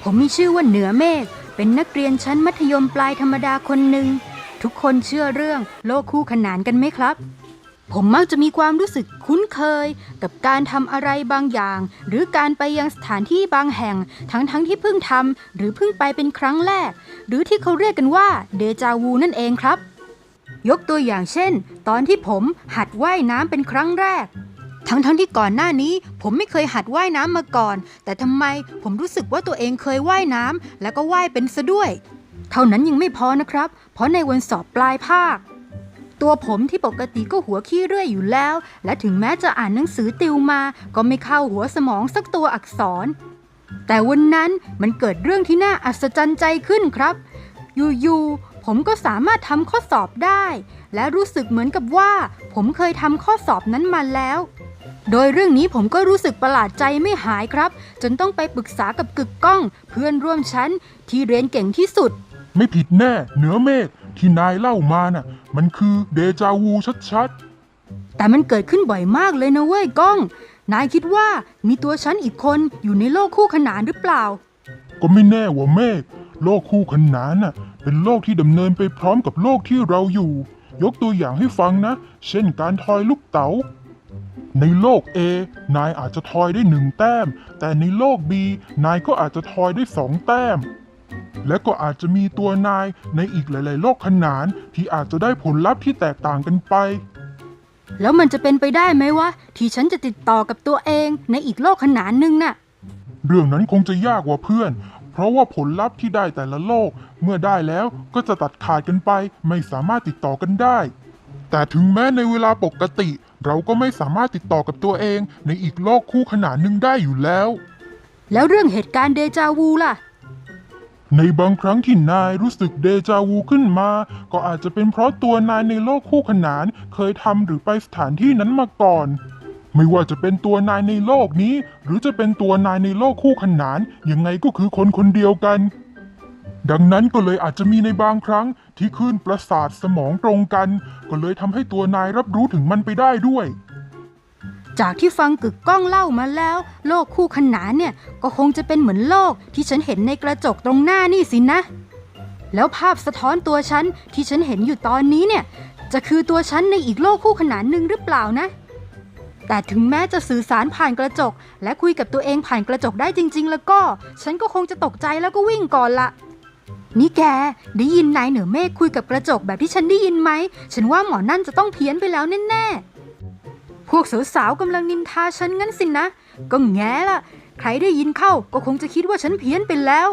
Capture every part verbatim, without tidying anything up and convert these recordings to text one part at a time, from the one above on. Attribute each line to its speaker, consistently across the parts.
Speaker 1: ผมมีชื่อว่าเหนือเมฆเป็นนักเรียนชั้นมัธยมปลายธรรมดาคนหนึ่งทุกคนเชื่อเรื่องโลกคู่ขนานกันไหมครับผมมักจะมีความรู้สึกคุ้นเคยกับการทำอะไรบางอย่างหรือการไปยังสถานที่บางแห่งทั้งๆ ท, ที่เพิ่งทำหรือเพิ่งไปเป็นครั้งแรกหรือที่เขาเรียกกันว่าเดจาวูนั่นเองครับยกตัวอย่างเช่นตอนที่ผมหัดว่ายน้ำเป็นครั้งแรกทั้งๆ ท, ที่ก่อนหน้านี้ผมไม่เคยหัดว่ายน้ำมาก่อนแต่ทำไมผมรู้สึกว่าตัวเองเคยว่ายน้ำแล้วก็ว่ายเป็นซะด้วยเท่านั้นยังไม่พอนะครับเพราะในวันสอบปลายภาคตัวผมที่ปกติก็หัวขี้เรื่อยอยู่แล้วและถึงแม้จะอ่านหนังสือติวมาก็ไม่เข้าหัวสมองสักตัวอักษรแต่วันนั้นมันเกิดเรื่องที่น่าอัศจรรย์ใจขึ้นครับอยู่ๆผมก็สามารถทำข้อสอบได้และรู้สึกเหมือนกับว่าผมเคยทำข้อสอบนั้นมาแล้วโดยเรื่องนี้ผมก็รู้สึกประหลาดใจไม่หายครับจนต้องไปปรึกษากับกึกก้องเพื่อนร่วมชั้นที่เรียนเก่งที่สุด
Speaker 2: ไม่ผิดแน่เหนือเมฆที่นายเล่ามาน่ะมันคือเดจาวูชัด
Speaker 1: ๆแต่มันเกิดขึ้นบ่อยมากเลยนะเว้ยก้องนายคิดว่ามีตัวฉันอีกคนอยู่ในโลกคู่ขนานหรือเปล่า
Speaker 2: ก็ไม่แน่ว่าเมฆโลกคู่ขนานน่ะเป็นโลกที่ดำเนินไปพร้อมกับโลกที่เราอยู่ยกตัวอย่างให้ฟังนะเช่นการทอยลูกเต๋าในโลก A นายอาจจะทอยได้หนึ่งแต้มแต่ในโลก B นายก็อาจจะทอยได้สองแต้มและก็อาจจะมีตัวนายในอีกหลายๆโลกขนานที่อาจจะได้ผลลัพธ์ที่แตกต่างกันไป
Speaker 1: แล้วมันจะเป็นไปได้ไหมวะที่ฉันจะติดต่อกับตัวเองในอีกโลกขนานหนึ่งน่ะ
Speaker 2: เรื่องนั้นคงจะยากกว่าเพื่อนเพราะว่าผลลัพธ์ที่ได้แต่ละโลกเมื่อได้แล้วก็จะตัดขาดกันไปไม่สามารถติดต่อกันได้แต่ถึงแม้ในเวลาปกติเราก็ไม่สามารถติดต่อกับตัวเองในอีกโลกคู่ขนานหนึ่งได้อยู่แล้ว
Speaker 1: แล้วเรื่องเหตุการณ์เดจาวูล่ะ
Speaker 2: ในบางครั้งที่นายรู้สึกเดจาวูขึ้นมาก็อาจจะเป็นเพราะตัวนายในโลกคู่ขนานเคยทำหรือไปสถานที่นั้นมาก่อนไม่ว่าจะเป็นตัวนายในโลกนี้หรือจะเป็นตัวนายในโลกคู่ขนานยังไงก็คือคนคนเดียวกันดังนั้นก็เลยอาจจะมีในบางครั้งที่คลื่นประสาทสมองตรงกันก็เลยทำให้ตัวนายรับรู้ถึงมันไปได้ด้วย
Speaker 1: จากที่ฟังกึกก้องเล่ามาแล้วโลกคู่ขนานเนี่ยก็คงจะเป็นเหมือนโลกที่ฉันเห็นในกระจกตรงหน้านี่สินะแล้วภาพสะท้อนตัวฉันที่ฉันเห็นอยู่ตอนนี้เนี่ยจะคือตัวฉันในอีกโลกคู่ขนานหนึ่งหรือเปล่านะแต่ถึงแม้จะสื่อสารผ่านกระจกและคุยกับตัวเองผ่านกระจกได้จริงๆแล้วก็ฉันก็คงจะตกใจแล้วก็วิ่งก่อนละนี่แกได้ยินนายเหนือเมฆคุยกับกระจกแบบที่ฉันได้ยินไหมฉันว่าหมอนั่นจะต้องเพี้ยนไปแล้วแน่ๆพวกสาวๆกำลังนินทาฉันงั้นสินะก็แง่ละใครได้ยินเข้าก็คงจะคิดว่าฉันเพี้ยนไปแล้ว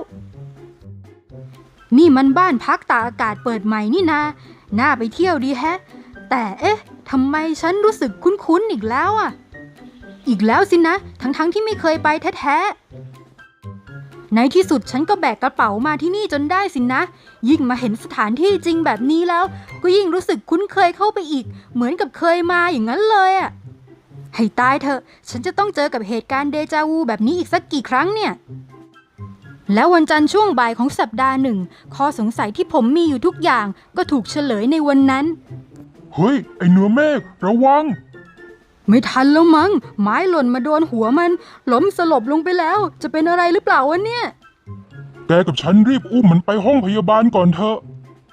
Speaker 1: นี่มันบ้านพักตากอากาศเปิดใหม่นี่นาน่าไปเที่ยวดีแฮะแต่เอ๊ะทำไมฉันรู้สึกคุ้นๆอีกแล้วอ่ะอีกแล้วสินะทั้งๆ ท, ที่ไม่เคยไปแท้ๆในที่สุดฉันก็แบกกระเป๋ามาที่นี่จนได้สินะยิ่งมาเห็นสถานที่จริงแบบนี้แล้วก็ยิ่งรู้สึกคุ้นเคยเข้าไปอีกเหมือนกับเคยมาอย่างนั้นเลยอ่ะให้ตายเถอะฉันจะต้องเจอกับเหตุการณ์เดจาวูแบบนี้อีกสักกี่ครั้งเนี่ยแล้ววันจันทร์ช่วงบ่ายของสัปดาห์หนึ่งข้อสงสัยที่ผมมีอยู่ทุกอย่างก็ถูกเฉลยในวันนั้น
Speaker 2: เฮ้ยไอเหนือเมฆระวัง
Speaker 1: ไม่ทันแล้วมั้งไม้หล่นมาโดนหัวมันล้มสลบลงไปแล้วจะเป็นอะไรหรือเปล่าวะเนี่ย
Speaker 2: แกกับฉันรีบอุ้มมันไปห้องพยาบาลก่อนเถอะ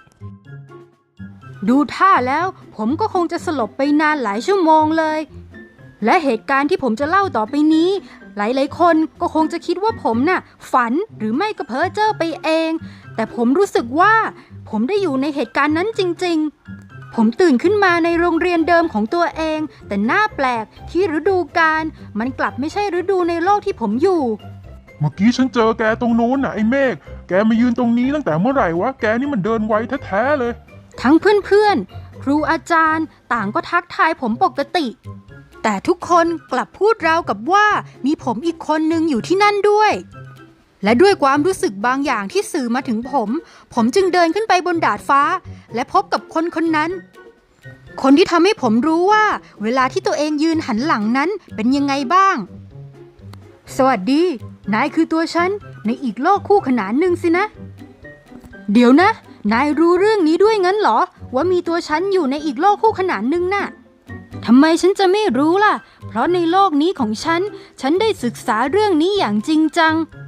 Speaker 1: ดูท่าแล้วผมก็คงจะสลบไปนานหลายชั่วโมงเลยและเหตุการณ์ที่ผมจะเล่าต่อไปนี้หลายๆคนก็คงจะคิดว่าผมน่ะฝันหรือไม่ก็เพ้อเจ้อไปเองแต่ผมรู้สึกว่าผมได้อยู่ในเหตุการณ์นั้นจริงๆผมตื่นขึ้นมาในโรงเรียนเดิมของตัวเองแต่น่าแปลกที่ฤดูกาลมันกลับไม่ใช่ฤดูในโลกที่ผมอยู่
Speaker 2: เมื่อกี้ฉันเจอแกตรงโน้นน่ะไอ้เมฆแกมายืนตรงนี้ตั้งแต่เมื่อไหร่วะแกนี่มันเดินไวแท้ๆเลย
Speaker 1: ทั้งเพื่อนๆครูอาจารย์ต่างก็ทักทายผมปกติแต่ทุกคนกลับพูดราวกับว่ามีผมอีกคนนึงอยู่ที่นั่นด้วยและด้วยความรู้สึกบางอย่างที่สื่อมาถึงผมผมจึงเดินขึ้นไปบนดาดฟ้าและพบกับคนคนนั้นคนที่ทำให้ผมรู้ว่าเวลาที่ตัวเองยืนหันหลังนั้นเป็นยังไงบ้างสวัสดีนายคือตัวฉันในอีกโลกคู่ขนานหนึ่งสินะเดี๋ยวนะนายรู้เรื่องนี้ด้วยงั้นเหรอว่ามีตัวฉันอยู่ในอีกโลกคู่ขนานหนึ่งน่ะทำไมฉันจะไม่รู้ล่ะเพราะในโลกนี้ของฉันฉันได้ศึกษาเรื่องนี้อย่างจริงจัง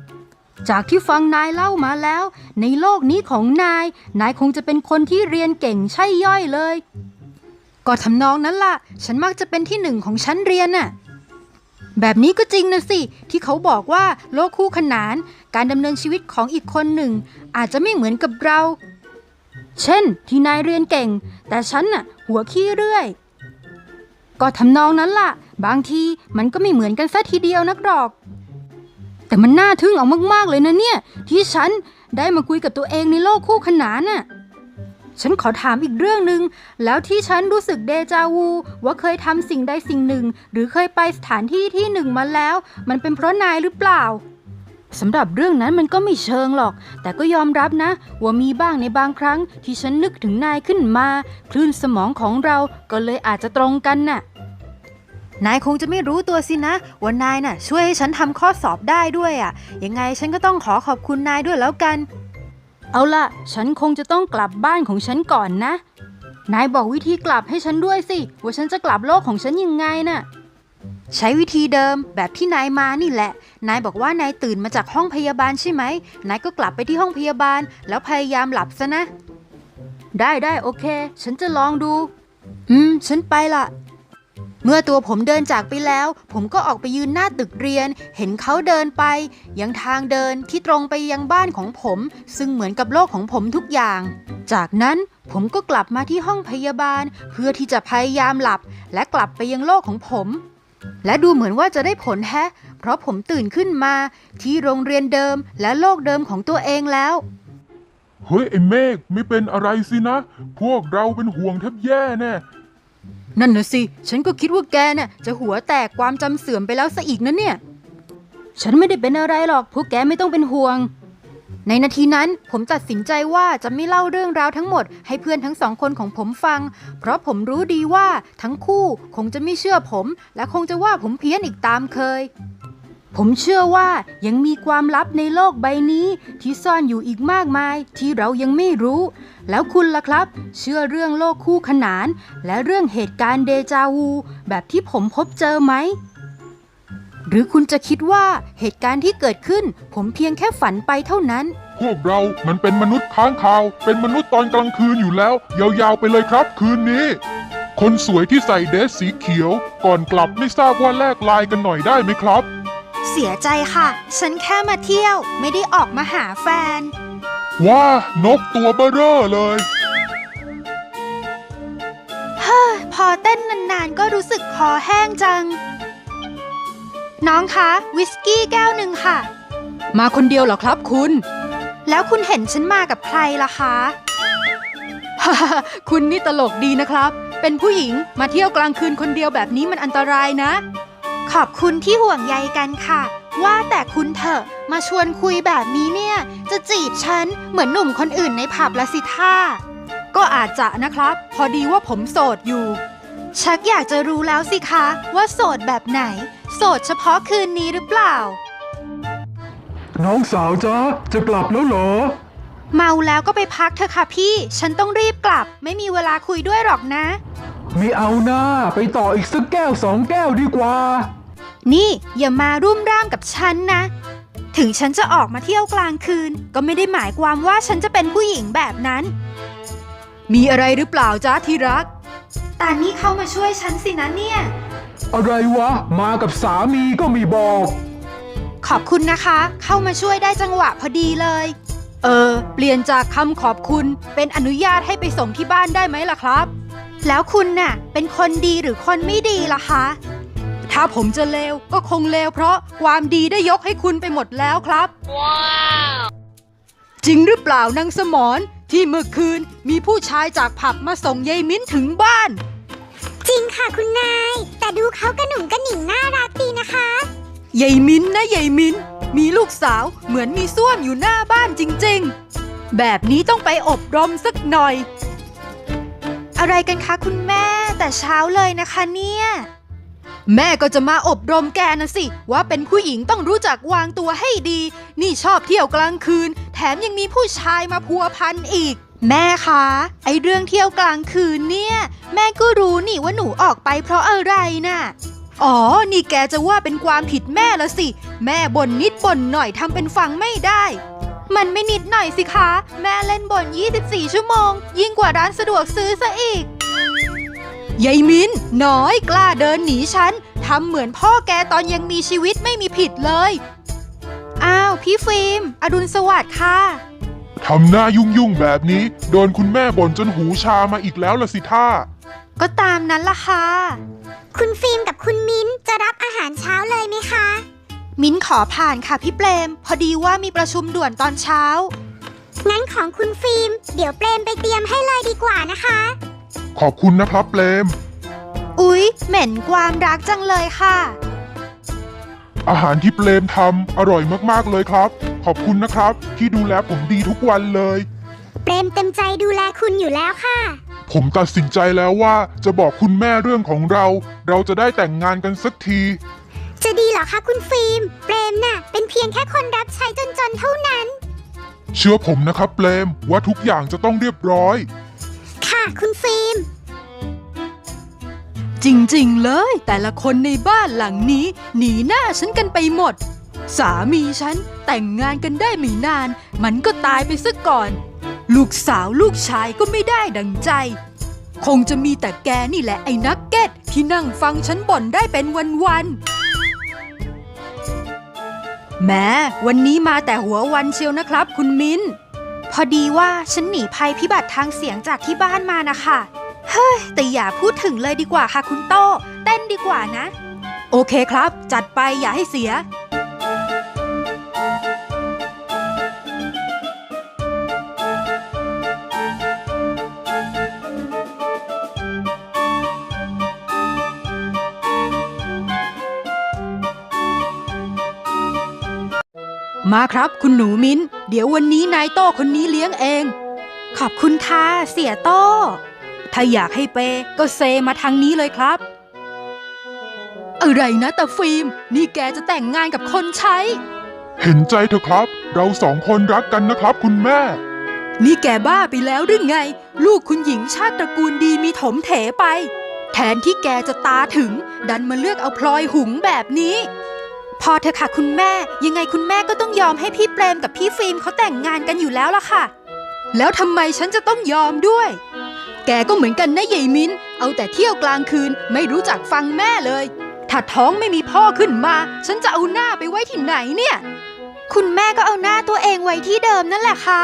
Speaker 1: จากที่ฟังนายเล่ามาแล้ว ในโลกนี้ของนาย นายคงจะเป็นคนที่เรียนเก่งใช่ย่อยเลย ก็ทำนองนั้นล่ะ ฉันมักจะเป็นที่หนึ่งของชั้นเรียนน่ะ แบบนี้ก็จริงนะสิ ที่เขาบอกว่าโลกคู่ขนาน การดำเนินชีวิตของอีกคนหนึ่ง อาจจะไม่เหมือนกับเรา เช่น ที่นายเรียนเก่ง แต่ฉันน่ะ หัวขี้เรื่อย ก็ทำนองนั้นล่ะ บางทีมันก็ไม่เหมือนกันซะทีเดียวนักหรอก แต่มันน่าทึ่งเอามากๆเลยนะเนี่ย ที่ฉันได้มาคุยกับตัวเองในโลกคู่ขนานน่ะ ฉันขอถามอีกเรื่องหนึ่งแล้วที่ฉันรู้สึกเดจาวูว่าเคยทำสิ่งใดสิ่งหนึ่งหรือเคยไปสถานที่ที่หนึ่งมาแล้วมันเป็นเพราะนายหรือเปล่าสำหรับเรื่องนั้นมันก็ไม่เชิงหรอกแต่ก็ยอมรับนะว่ามีบ้างในบางครั้งที่ฉันนึกถึงนายขึ้นมาคลื่นสมองของเราก็เลยอาจจะตรงกันน่ะนายคงจะไม่รู้ตัวสินะว่านายน่ะช่วยให้ฉันทำข้อสอบได้ด้วยอ่ะยังไงฉันก็ต้องขอขอบคุณนายด้วยแล้วกันเอาล่ะฉันคงจะต้องกลับบ้านของฉันก่อนนะนายบอกวิธีกลับให้ฉันด้วยสิว่าฉันจะกลับโลกของฉันยังไงน่ะใช้วิธีเดิมแบบที่นายมานี่แหละนายบอกว่านายตื่นมาจากห้องพยาบาลใช่ไหมนายก็กลับไปที่ห้องพยาบาลแล้วพยายามหลับซะนะได้ได้โอเคฉันจะลองดูอืมฉันไปละเมื่อตัวผมเดินจากไปแล้วผมก็ออกไปยืนหน้าตึกเรียนเห็นเขาเดินไปยังทางเดินที่ตรงไปยังบ้านของผมซึ่งเหมือนกับโลกของผมทุกอย่างจากนั้นผมก็กลับมาที่ห้องพยาบาลเพื่อที่จะพยายามหลับและกลับไปยังโลกของผมและดูเหมือนว่าจะได้ผลแฮะเพราะผมตื่นขึ้นมาที่โรงเรียนเดิมและโลกเดิมของตัวเองแล้ว
Speaker 2: เฮ้ยไอ้เมฆไม่เป็นอะไรสินะพวกเราเป็นห่วงแทบแย่แน่
Speaker 1: นั่นนะสิฉันก็คิดว่าแกน่ะจะหัวแตกความจำเสื่อมไปแล้วซะอีกนะเนี่ยฉันไม่ได้เป็นอะไรหรอกพวกแกไม่ต้องเป็นห่วงในนาทีนั้นผมตัดสินใจว่าจะไม่เล่าเรื่องราวทั้งหมดให้เพื่อนทั้งสองคนของผมฟังเพราะผมรู้ดีว่าทั้งคู่คงจะไม่เชื่อผมและคงจะว่าผมเพี้ยนอีกตามเคยผมเชื่อว่ายังมีความลับในโลกใบนี้ที่ซ่อนอยู่อีกมากมายที่เรายังไม่รู้แล้วคุณล่ะครับเชื่อเรื่องโลกคู่ขนานและเรื่องเหตุการณ์เดจาวูแบบที่ผมพบเจอไหมหรือคุณจะคิดว่าเหตุการณ์ที่เกิดขึ้นผมเพียงแค่ฝันไปเท่านั้น
Speaker 2: พวกเรามันเป็นมนุษย์ค้างคาวเป็นมนุษย์ตอนกลางคืนอยู่แล้วยาวๆไปเลยครับคืนนี้คนสวยที่ใส่เดรสสีเขียวก่อนกลับไม่ทราบว่าแลกไลน์กันหน่อยได้ไหมครับ
Speaker 3: เสียใจค่ะฉันแค่มาเที่ยวไม่ได้ออกมาหาแฟน
Speaker 2: ว้านกตัวเบ้อเร่อเลย
Speaker 3: เฮ้อพอเต้นนานๆก็รู้สึกคอแห้งจังน้องคะวิสกี้แก้วหนึ่งค่ะ
Speaker 1: มาคนเดียวเหรอครับคุณ
Speaker 3: แล้วคุณเห็นฉันมากับใครล่ะคะ
Speaker 1: คุณนี่ตลกดีนะครับเป็นผู้หญิงมาเที่ยวกลางคืนคนเดียวแบบนี้มันอันตรายนะ
Speaker 3: ขอบคุณที่ห่วงใยกันค่ะว่าแต่คุณเถอะมาชวนคุยแบบนี้เนี่ยจะจีบฉันเหมือนหนุ่มคนอื่นในผับละสิท่า
Speaker 1: ก็อาจจะนะครับพอดีว่าผมโสดอยู่
Speaker 3: ชักอยากจะรู้แล้วสิคะว่าโสดแบบไหนโสดเฉพาะคืนนี้หรือเปล่า
Speaker 4: น้องสาวจ๊ะจะกลับแล้วเหรอ
Speaker 3: เมาแล้วก็ไปพักเถอะค่ะพี่ฉันต้องรีบกลับไม่มีเวลาคุยด้วยหรอกนะ
Speaker 4: ไม่เอาหน้าไปต่ออีกสักแก้วสองแก้วดีกว่า
Speaker 3: นี่อย่ามารุ่มร่ามกับฉันนะถึงฉันจะออกมาเที่ยวกลางคืนก็ไม่ได้หมายความว่าฉันจะเป็นผู้หญิงแบบนั้น
Speaker 1: มีอะไรหรือเปล่าจ๊ะที่รัก
Speaker 3: ตานี่เข้ามาช่วยฉันสินะเนี่ย
Speaker 4: อะไรวะมากับสามีก็ไม่บอก
Speaker 3: ขอบคุณนะคะเข้ามาช่วยได้จังหวะพอดีเลย
Speaker 1: เออเปลี่ยนจากคำขอบคุณเป็นอนุญาตให้ไปส่งที่บ้านได้ไหมล่ะครับ
Speaker 3: แล้วคุณน่ะเป็นคนดีหรือคนไม่ดีล่ะคะ
Speaker 1: ถ้าผมจะเลวก็คงเลวเพราะความดีได้ยกให้คุณไปหมดแล้วครับว้าวจริงหรือเปล่านางสมรที่เมื่อคืนมีผู้ชายจากผับมาส่งยายมิ้นถึงบ้าน
Speaker 5: จริงค่ะคุณนายแต่ดูเขากระหนุ่มกระหนิ่งน่ารักดีนะคะ
Speaker 1: ยายมิ้นนะยายมิ้นมีลูกสาวเหมือนมีส้วมอยู่หน้าบ้านจริงๆแบบนี้ต้องไปอบรมสักหน่อย
Speaker 3: อะไรกันคะคุณแม่แต่เช้าเลยนะคะเนี่ย
Speaker 1: แม่ก็จะมาอบรมแกนะสิว่าเป็นผู้หญิงต้องรู้จักวางตัวให้ดีนี่ชอบเที่ยวกลางคืนแถมยังมีผู้ชายมาพัวพันอีก
Speaker 3: แม่คะไอเรื่องเที่ยวกลางคืนเนี่ยแม่ก็รู้นี่ว่าหนูออกไปเพราะอะไรน่ะ
Speaker 1: อ๋อ นี่แกจะว่าเป็นความผิดแม่ละสิ แม่บ่นนิดบ่นหน่อยทำเป็นฟังไม่ได้ มันไม่นิดหน่อยสิคะ แม่เล่นบ่นยี่สิบสี่ชั่วโมง ยิ่งกว่าร้านสะดวกซื้อซะอีกยายมินน้อยกล้าเดินหนีฉันทำเหมือนพ่อแกตอนยังมีชีวิตไม่มีผิดเลย อ้าวพี่ฟิล์มอดุลสวัสดิ์ค่ะ
Speaker 2: ทำหน้ายุ่งๆแบบนี้ โดนคุณแม่บ่นจนหูชามาอีกแล้วละสิท่า
Speaker 1: ก็ตามนั้นล่ะค่ะ
Speaker 5: คุณฟิล์มกับคุณมิ้นจะรับอาหารเช้าเลยไหมคะ
Speaker 3: มิ้นขอผ่านค่ะพี่เปรม พอดีว่ามีประชุมด่วนตอนเช้า
Speaker 5: งั้นของคุณฟิล์มเดี๋ยวเปรมไปเตรียมให้เลยดีกว่านะคะ
Speaker 2: ขอบคุณนะครับเปรม
Speaker 3: อุ๊ย เหม็นความรักจังเลยค่ะ
Speaker 2: อาหารที่เปรมทำอร่อยมากๆเลยครับ ขอบคุณนะครับที่ดูแลผมดีทุกวันเลย
Speaker 5: เปรมเต็มใจดูแลคุณอยู่แล้วค่ะ
Speaker 2: ผมตัดสินใจแล้วว่าจะบอกคุณแม่เรื่องของเรา เราจะได้แต่งงานกันสักที
Speaker 5: จะดีเหรอคะคุณฟิล์ม เปรมน่ะเป็นเพียงแค่คนรับใช้จนๆเท่านั้น
Speaker 2: เชื่อผมนะครับเปรมว่าทุกอย่างจะต้องเรียบร้อย
Speaker 5: ค่ะคุณฟิล์ม
Speaker 1: จริงๆเลยแต่ละคนในบ้านหลังนี้หนีหน้าฉันกันไปหมด สามีฉันแต่งงานกันได้ไม่นาน มันก็ตายไปซะก่อน ลูกสาวลูกชายก็ไม่ได้ดังใจ คงจะมีแต่แกนี่แหละไอ้นักเก็ตที่นั่งฟังฉันบ่นได้เป็นวันๆแม้วันนี้มาแต่หัววันเชียวนะครับคุณมิ้น
Speaker 3: พอดีว่าฉันหนีภัยพิบัติทางเสียงจากที่บ้านมานะคะเฮ้ยแต่อย่าพูดถึงเลยดีกว่าค่ะคุณโต้เต้นดีกว่านะ
Speaker 1: โอเคครับจัดไปอย่าให้เสีย มาครับคุณหนูมิ้น เดี๋ยววันนี้นายโต้คนนี้เลี้ยงเอง
Speaker 3: ขอบคุณค่ะเสียโต้
Speaker 1: ถ้าอยากให้เปย์ก็เซมาทางนี้เลยครับ อะไรนะตาฟิล์มนี่แกจะแต่งงานกับคนใช้
Speaker 2: เห็นใจเถอะครับ เราสองคนรักกันนะครับคุณแม่
Speaker 1: นี่แกบ้าไปแล้วหรือไง ลูกคุณหญิงชาติตระกูลดีมีถมเถไป แทนที่แกจะตาถึง ดันมาเลือกเอาพลอยหุงแบบนี้
Speaker 3: พอเถอะค่ะคุณแม่ยังไงคุณแม่ก็ต้องยอมให้พี่เปรมกับพี่ฟิล์มเขาแต่งงานกันอยู่แล้วล่ะค่ะ
Speaker 1: แล้วทำไมฉันจะต้องยอมด้วย แกก็เหมือนกันนะยายมิ้น เอาแต่เที่ยวกลางคืนไม่รู้จักฟังแม่เลย ถ้าท้องไม่มีพ่อขึ้นมา ฉันจะเอาหน้าไปไว้ที่ไหนเนี่ย
Speaker 3: คุณแม่ก็เอาหน้าตัวเองไว้ที่เดิมนั่นแหละค่ะ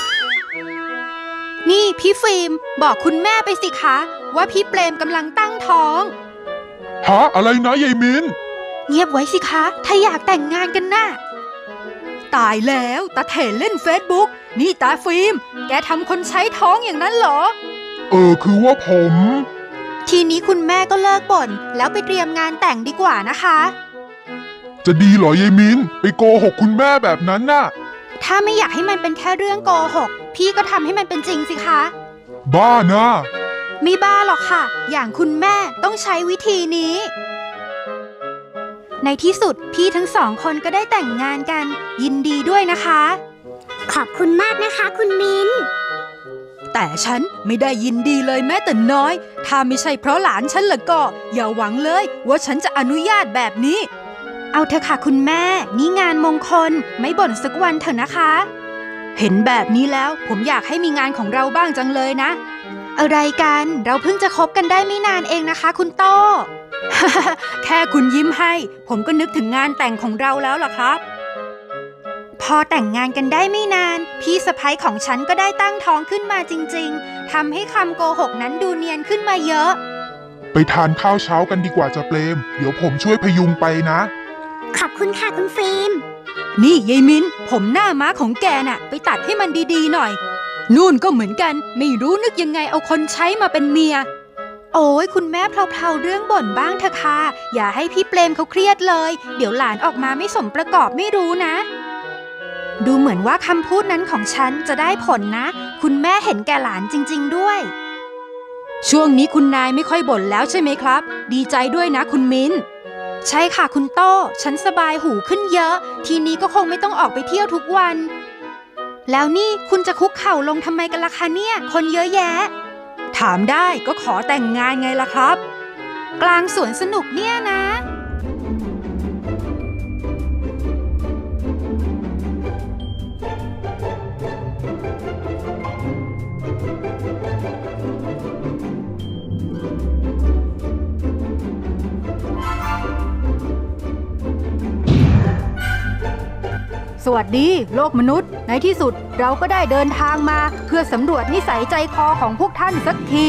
Speaker 3: นี่พี่ฟิล์มบอกคุณแม่ไปสิคะว่าพี่เปรมกำลังตั้งท้อง
Speaker 2: ฮะอะไรนะยายมิน
Speaker 3: เงียบไว้สิคะถ้าอยากแต่งงานกันน่ะ
Speaker 1: ตายแล้วตาเถนเล่นเฟซบุ๊กนี่ตาฟิล์มแกทำคนใช้ท้องอย่างนั้นเหรอ
Speaker 2: เออคือว่าผม
Speaker 3: ทีนี้คุณแม่ก็เลิกบ่นแล้วไปเตรียมงานแต่งดีกว่านะคะ
Speaker 2: จะดีเหรอยายมินไปโกหกคุณแม่แบบนั้นน่ะ
Speaker 3: ถ้าไม่อยากให้มันเป็นแค่เรื่องโกหกพี่ก็ทำให้มันเป็นจริงสิคะ
Speaker 2: บ้านะ
Speaker 3: ไม่บ้าหรอกค่ะ อย่างคุณแม่ต้องใช้วิธีนี้ ในที่สุดพี่ทั้งสองคนก็ได้แต่งงานกัน ยินดีด้วยนะคะ
Speaker 5: ขอบคุณมากนะคะคุณมิ้น
Speaker 1: แต่ฉันไม่ได้ยินดีเลยแม้แต่น้อย ถ้าไม่ใช่เพราะหลานฉันละก็ อย่าหวังเลยว่าฉันจะอนุญาตแบบนี้
Speaker 3: เอาเถอะค่ะคุณแม่นี่งานมงคลไม่บ่นสักวันเถอะนะคะ
Speaker 1: เห็นแบบนี้แล้วผมอยากให้มีงานของเราบ้างจังเลยนะ
Speaker 3: อะไรกันเราเพิ่งจะคบกันได้ไม่นานเองนะคะคุณโต้
Speaker 1: แค่คุณยิ้มให้ ผมก็นึกถึงงานแต่งของเราแล้วล่ะครับ
Speaker 3: พอแต่งงานกันได้ไม่นานพี่สะใภ้ของฉันก็ได้ตั้งท้องขึ้นมาจริงๆทำให้คำโกหกนั้นดูเนียนขึ้นมาเยอะ
Speaker 2: ไปทานข้าวเช้ากันดีกว่าจะเปรม เดี๋ยวผมช่วยพยุงไปนะ
Speaker 5: ขอบคุณค่ะคุณฟิล์ม
Speaker 1: นี่ยายมินผมหน้าม้าของแกน่ะ ไปตัดให้มันดีๆหน่อย นู่นก็เหมือนกันไม่รู้นึกยังไงเอาคนใช้มาเป็นเมีย
Speaker 3: โอ้ยคุณแม่เพลาๆเรื่องบ่นบ้างเถอะค่ะอย่าให้พี่เปรมเขาเครียดเลย เดี๋ยวหลานออกมาไม่สมประกอบไม่รู้นะ ดูเหมือนว่าคำพูดนั้นของฉันจะได้ผลนะ คุณแม่เห็นแก่หลานจริงๆด้วย
Speaker 1: ช่วงนี้คุณนายไม่ค่อยบ่นแล้วใช่ไหมครับ ดีใจด้วยนะคุณมิ้น
Speaker 3: ใช่ค่ะคุณโต้ฉันสบายหูขึ้นเยอะ ทีนี้ก็คงไม่ต้องออกไปเที่ยวทุกวัน แล้วนี่คุณจะคุกเข่าลงทำไมกันล่ะคะเนี่ยคนเยอะแยะ
Speaker 1: ถามได้ก็ขอแต่งงานไงล่ะครับ
Speaker 3: กลางสวนสนุกเนี่ยนะ
Speaker 1: สวัสดีโลกมนุษย์ในที่สุดเราก็ได้เดินทางมาเพื่อสำรวจนิสัยใจคอของพวกท่านสักที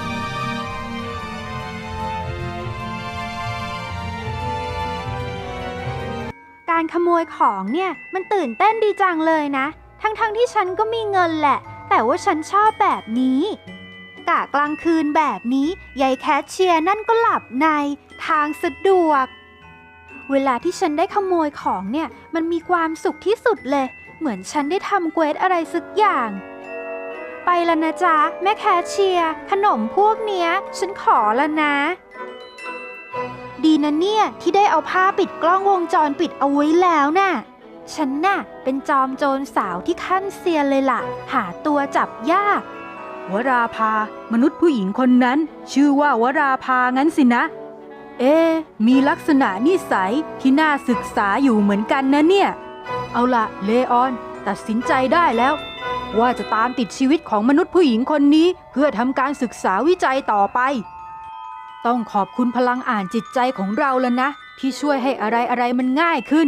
Speaker 3: การขโมยของเนี่ยมันตื่นเต้นดีจังเลยนะ ทั้งๆทที่ฉันก็มีเงินแหละ แต่ว่าฉันชอบแบบนี้กะกลางคืนแบบนี้ยายแคชเชียร์นั่นก็หลับในทางสะดวกเวลาที่ฉันได้ขโมยของเนี่ยมันมีความสุขที่สุดเลยเหมือนฉันได้ทำเควสอะไรสักอย่างไปแล้วนะจ๊ะแม่แคชเชียร์ขนมพวกเนี้ยฉันขอแล้วนะดีนะเนี่ยที่ได้เอาผ้าปิดกล้องวงจรปิดเอาไว้แล้วน่ะฉันน่ะเป็นจอมโจรสาวที่ขั้นเซียนเลยล่ะหาตัวจับยาก
Speaker 1: วราภามนุษย์ผู้หญิงคนนั้นชื่อว่าวราภางั้นสินะเอ๊ะมีลักษณะนิสัยที่น่าศึกษาอยู่เหมือนกันนะเนี่ยเอาล่ะเลออนตัดสินใจได้แล้วว่าจะตามติดชีวิตของมนุษย์ผู้หญิงคนนี้เพื่อทำการศึกษาวิจัยต่อไปต้องขอบคุณพลังอ่านจิตใจของเราแล้วนะที่ช่วยให้อะไรอะไรมันง่ายขึ้น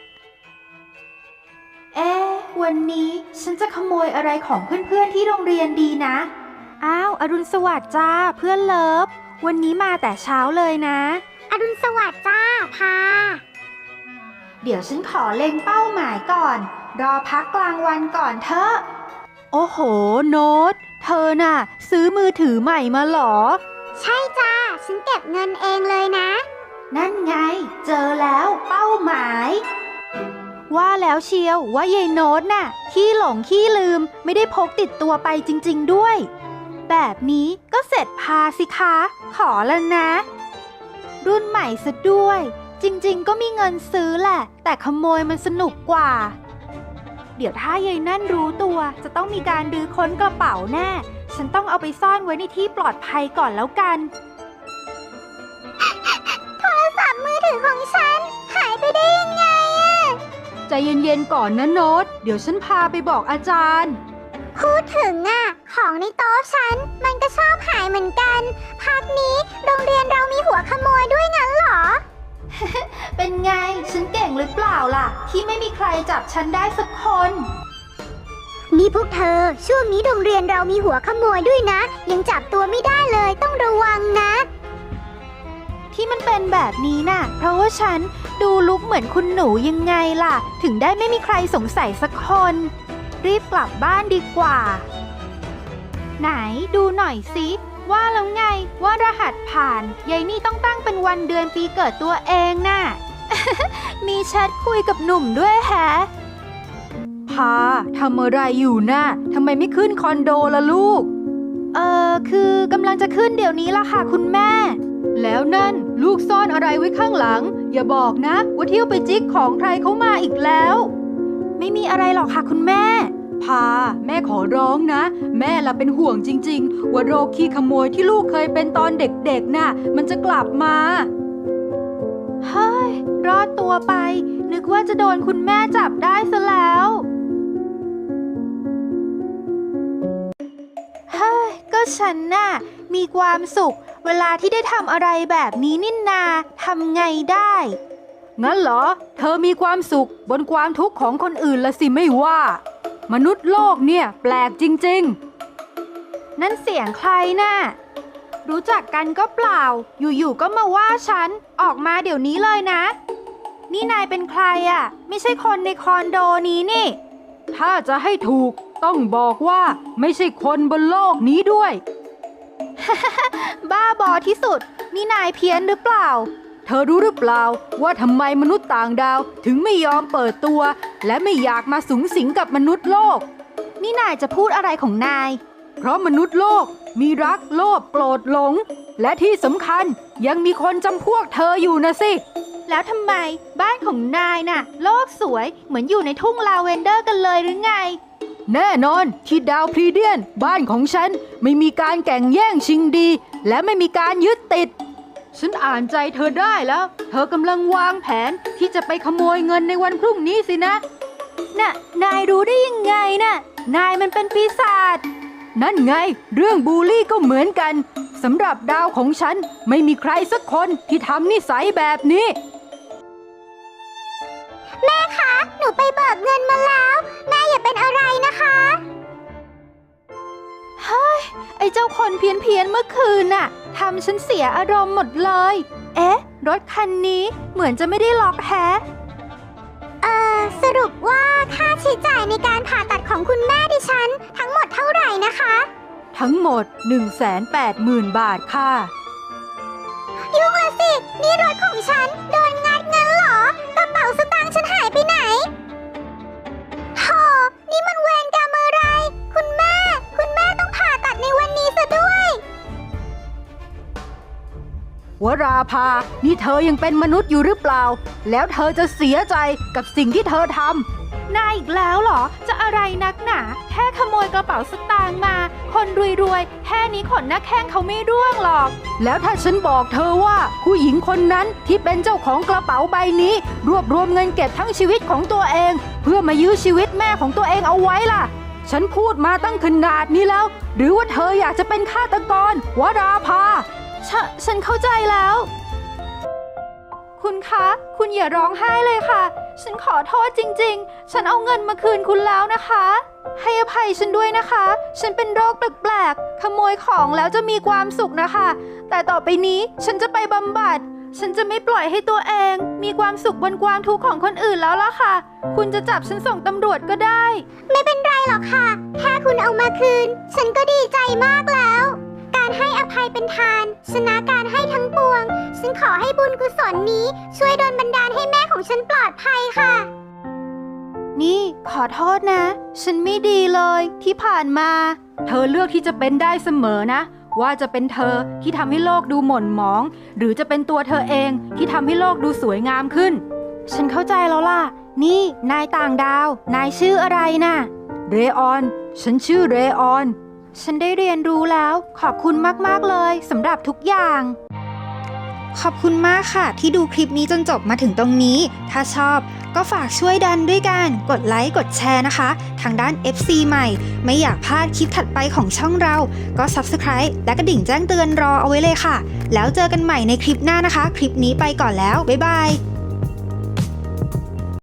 Speaker 3: เอ๊ะวันนี้ฉันจะขโมยอะไรของเพื่อนๆที่โรงเรียนดีนะอ้าวอรุณสวัสดิ์จ้าเพื่อนเลิฟวันนี้มาแต่เช้าเลยนะ
Speaker 5: อรุณสวัสดิ์จ้าพา
Speaker 3: เดี๋ยวฉันขอเล็งเป้าหมายก่อนรอพักกลางวันก่อนเถอะ
Speaker 1: โอ้โหโน้ตเธอน่ะซื้อมือถือใหม่มาหรอ
Speaker 5: ใช่จ้าฉันเก็บเงินเองเลยนะ
Speaker 3: นั่นไงเจอแล้วเป้าหมายว่าแล้วเชียวว่ายายโน้ตน่ะขี้หลงขี้ลืมไม่ได้พกติดตัวไปจริงๆด้วยแบบนี้ก็เสร็จพาสิคะขอแล้วนะรุ่นใหม่ซะด้วยจริงๆก็มีเงินซื้อแหละแต่ขโมยมันสนุกกว่าเดี๋ยวถ้ายายนั่นรู้ตัวจะต้องมีการดื้อค้นกระเป๋าแน่ฉันต้องเอาไปซ่อนไว้ในที่ปลอดภัยก่อนแล้วกัน
Speaker 5: โทรศัพท์มือถือของฉันหายไปได้ยังไงอะ
Speaker 1: ใจเย็นๆก่อนนะโน้ตเดี๋ยวฉันพาไปบอกอาจารย์
Speaker 5: พูดถึงอะของในโต๊ะฉันมันก็ชอบหายเหมือนกันพักนี้โรงเรียนเรามีหัวขโมยด้วยงั้นเหรอ
Speaker 3: เป็นไงฉันเก่งหรือเปล่าล่ะที่ไม่มีใครจับฉันได้สักคน
Speaker 5: นี่พวกเธอช่วงนี้โรงเรียนเรามีหัวขโมยด้วยนะยังจับตัวไม่ได้เลยต้องระวังนะ
Speaker 3: ที่มันเป็นแบบนี้น่ะเพราะว่าฉันดูลุกเหมือนคุณหนูยังไงล่ะถึงได้ไม่มีใครสงสัยสักคนรีบกลับบ้านดีกว่าไหนดูหน่อยสิว่าแล้วไงว่ารหัสผ่านยายนี่ต้องตั้งเป็นวันเดือนปีเกิดตัวเองน่ะ มีแชทคุยกับหนุ่มด้วยแฮะ
Speaker 1: พาทำอะไรอยู่น่ะทำไมไม่ขึ้นคอนโดล่ะลูก
Speaker 3: เออคือกำลังจะขึ้นเดี๋ยวนี้ล่ะค่ะคุณแม่
Speaker 1: แล้วนั่นลูกซ่อนอะไรไว้ข้างหลังอย่าบอกนะว่าเที่ยวไปจิกของใครเขามาอีกแล้ว
Speaker 3: ไม่มีอะไรหรอกค่ะคุณแม่
Speaker 1: พาแม่ขอร้องนะแม่ละเป็นห่วงจริงๆว่าโรคขี้ขโมยที่ลูกเคยเป็นตอนเด็กๆน่ะมันจะกลับมา
Speaker 3: เฮ้ยรอดตัวไปนึกว่าจะโดนคุณแม่จับได้ซะแล้วเฮ้ยก็ฉันน่ะมีความสุขเวลาที่ได้ทำอะไรแบบนี้นินนาทำไงได้
Speaker 1: งั้นเหรอเธอมีความสุขบนความทุกข์ของคนอื่นละสิไม่ว่ามนุษย์โลกเนี่ยแปลกจริง
Speaker 3: ๆนั่นเสียงใครน่ะรู้จักกันก็เปล่าอยู่ๆก็มาว่าฉันออกมาเดี๋ยวนี้เลยนะนี่นายเป็นใครอ่ะไม่ใช่คนในคอนโดนี้นี่
Speaker 1: ถ้าจะให้ถูกต้องบอกว่าไม่ใช่คนบนโลกนี้ด้วย
Speaker 3: บ้าบอที่สุดนี่นายเพี้ยนหรือเปล่า
Speaker 1: เธอรู้หรือเปล่าว่าทำไมมนุษย์ต่างดาวถึงไม่ยอมเปิดตัวและไม่อยากมาสุงสิงกับมนุษย์โลก
Speaker 3: นี่นายจะพูดอะไรของนาย
Speaker 1: เพราะมนุษย์โลกมีรักโลภโกรธหลงและที่สำคัญยังมีคนจำพวกเธออยู่นะสิ
Speaker 3: แล้วทำไมบ้านของนายน่ะโลกสวยเหมือนอยู่ในทุ่งลาเวนเดอร์กันเลยหรือไง
Speaker 1: แน่นอนที่ดาวพรีเดียนบ้านของฉันไม่มีการแข่งแย่งชิงดีและไม่มีการยึดติดฉันอ่านใจเธอได้แล้วเธอกำลังวางแผนที่จะไปขโมยเงินในวันพรุ่งนี้สินะ
Speaker 3: น่ะนายรู้ได้ยังไงน่ะนายมันเป็นปีศาจ
Speaker 1: นั่นไงเรื่องบูลลี่ก็เหมือนกันสำหรับดาวของฉันไม่มีใครสักคนที่ทำนิสัยแบบนี้
Speaker 5: แม่คะหนูไปเบิกเงินมาแล้ว แม่อย่าเป็นอะไรนะคะ
Speaker 3: เฮ้ย ไอ้เจ้าคนเพี้ยนเพียนๆเมื่อคืนน่ะทำฉันเสียอารมณ์หมดเลย เอ๊ะ รถคันนี้เหมือนจะไม่ได้ล็อกแฮะ
Speaker 5: เอ่อ สรุปว่าค่าใช้จ่ายในการผ่าตัดของคุณแม่ดิฉัน ทั้งหมดเท่าไหร่นะคะ
Speaker 1: ทั้งหมด หนึ่งแสนแปดหมื่น บาทค่ะ
Speaker 5: ยุ่งละสิ นี่รถของฉันโดนงัดเงินเหรอ กระเป๋าสตางค์ฉันหายไปไหนโธ่นี่มันเวรกรรมอะไร คุณแม่ คุณแม่ต้องผ่าตัดในวันนี้ซะด้วย
Speaker 1: วราภา นี่เธอยังเป็นมนุษย์อยู่หรือเปล่า แล้วเธอจะเสียใจกับสิ่งที่เธอทำ
Speaker 3: นายอีกแล้วเหรอ จะอะไรนักหนา แค่ขโมยกระเป๋าสตางค์มา คนรวยๆ แค่นี้ขนหน้าแข้งเขาไม่ร่วงหรอก
Speaker 1: แล้วถ้าฉันบอกเธอว่าผู้หญิงคนนั้นที่เป็นเจ้าของกระเป๋าใบนี้ รวบรวมเงินเก็บทั้งชีวิตของตัวเอง เพื่อมายื้อชีวิตแม่ของตัวเองเอาไว้ล่ะ ฉันพูดมาตั้งขนาดนี้แล้ว หรือว่าเธออยากจะเป็นฆาตกรวราภา
Speaker 3: ฉะฉันเข้าใจแล้ว คุณคะ คุณอย่าร้องไห้เลยค่ะ ฉันขอโทษจริงๆ ฉันเอาเงินมาคืนคุณแล้วนะคะ ให้อภัยฉันด้วยนะคะ ฉันเป็นโรคแปลกๆ ขโมยของแล้วจะมีความสุขนะคะ แต่ต่อไปนี้ฉันจะไปบำบัด ฉันจะไม่ปล่อยให้ตัวเอง มีความสุขบนความทุกข์ของคนอื่นแล้วล่ะค่ะ คุณจะจับฉันส่งตำรวจก็ได้
Speaker 5: ไม่เป็นไรหรอกค่ะ แค่คุณเอามาคืน ฉันก็ดีใจมากแล้ว การให้อภัยเป็นทาน ชนะการให้ทั้งปวง ฉันขอให้บุญกุศลนี้ ช่วยดลบันดาลให้แม่ของฉันปลอดภัยค่ะ
Speaker 3: นี่ขอโทษนะ ฉันไม่ดีเลยที่ผ่านมา
Speaker 1: เธอเลือกที่จะเป็นได้เสมอนะ ว่าจะเป็นเธอที่ทำให้โลกดูหม่นหมอง หรือจะเป็นตัวเธอเองที่ทำให้โลกดูสวยงามขึ้น
Speaker 3: ฉันเข้าใจแล้วล่ะ นี่นายต่างดาว นายชื่ออะไรน่ะ
Speaker 1: เรออน ฉันชื่อเรออน
Speaker 3: ฉันได้เรียนรู้แล้ว ขอบคุณมากๆเลยสำหรับทุกอย่าง ขอบคุณมากค่ะที่ดูคลิปนี้จนจบมาถึงตรงนี้ ถ้าชอบก็ฝากช่วยดันด้วยกันกดไลค์กดแชร์นะคะ ทางด้าน เอฟ ซี ใหม่ ไม่อยากพลาดคลิปถัดไปของช่องเรา ก็ ซับสไครบ์ และกระดิ่งแจ้งเตือนรอเอาไว้เลยค่ะ แล้วเจอกันใหม่ในคลิปหน้านะคะ คลิปนี้ไปก่อนแล้ว บ๊ายบาย